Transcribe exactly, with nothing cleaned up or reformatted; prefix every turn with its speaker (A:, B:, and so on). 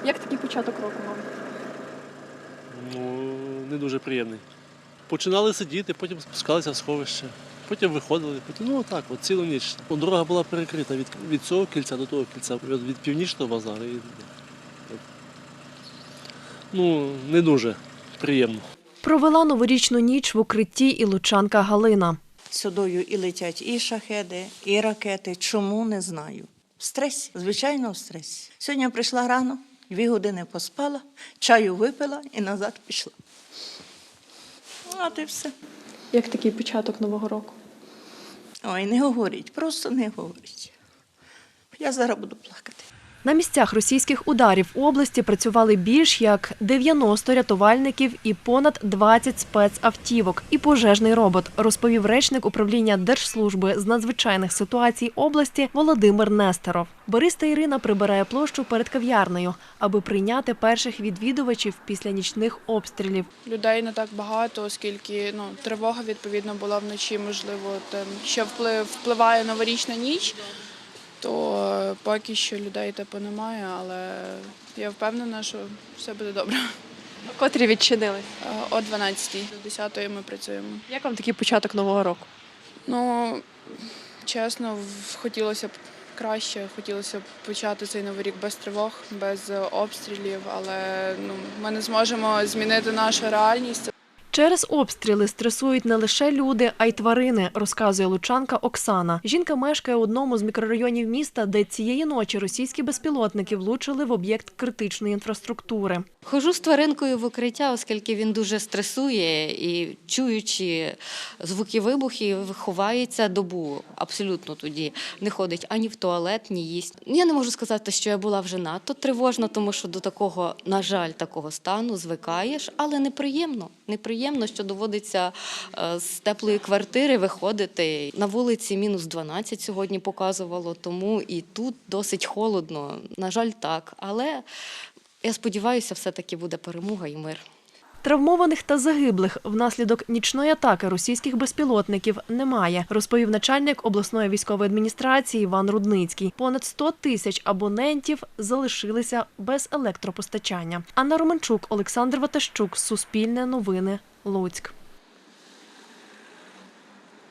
A: Як такий початок року вам?
B: Ну, не дуже приємний. Починали сидіти, потім спускалися в сховище, потім виходили, потім, ну так, от цілу ніч. Дорога була перекрита від, від цього кільця до того кільця, від, від північного базару. І, ну, не дуже приємно.
C: Провела новорічну ніч в укритті і лучанка Галина.
D: Сюдою і летять і шахеди, і ракети. Чому, не знаю. В стресі, звичайно, в стресі. Сьогодні я прийшла рано, дві години поспала, чаю випила і назад пішла. От і все.
A: Як такий початок Нового року?
D: Ой, не говоріть, просто не говоріть. Я зараз буду плакати.
C: На місцях російських ударів в області працювали більш як дев'яносто рятувальників і понад двадцять спецавтівок і пожежний робот, розповів речник управління Держслужби з надзвичайних ситуацій області Володимир Нестеров. Бориста Ірина прибирає площу перед кав'ярнею, аби прийняти перших відвідувачів після нічних обстрілів.
E: Людей не так багато, оскільки ну, тривога, відповідно, була вночі, можливо, там, ще вплив, впливає новорічна ніч, то поки що людей типу немає, але я впевнена, що все буде добре.
A: Котрі відчинились?
E: О дванадцятій до десятої ми працюємо.
A: Як вам такий початок Нового року?
E: Ну, чесно, хотілося б краще, хотілося б почати цей новий рік без тривог, без обстрілів, але ну, ми не зможемо змінити нашу реальність.
C: Через обстріли стресують не лише люди, а й тварини, розказує лучанка Оксана. Жінка мешкає у одному з мікрорайонів міста, де цієї ночі російські безпілотники влучили в об'єкт критичної інфраструктури.
F: Ходжу з тваринкою в укриття, оскільки він дуже стресує і, чуючи звуки вибухів, ховається добу. Абсолютно тоді не ходить ані в туалет, ні їсть. Я не можу сказати, що я була вже надто тривожна, тому що до такого, на жаль, такого стану звикаєш, але неприємно. Неприємно, що доводиться з теплої квартири виходити. На вулиці мінус дванадцять сьогодні показувало, тому і тут досить холодно. На жаль, так, але я сподіваюся, все-таки буде перемога і мир.
C: Травмованих та загиблих внаслідок нічної атаки російських безпілотників немає, розповів начальник обласної військової адміністрації Іван Рудницький. Понад сто тисяч абонентів залишилися без електропостачання. Анна Романчук, Олександр Ватащук, Суспільне новини, Луцьк.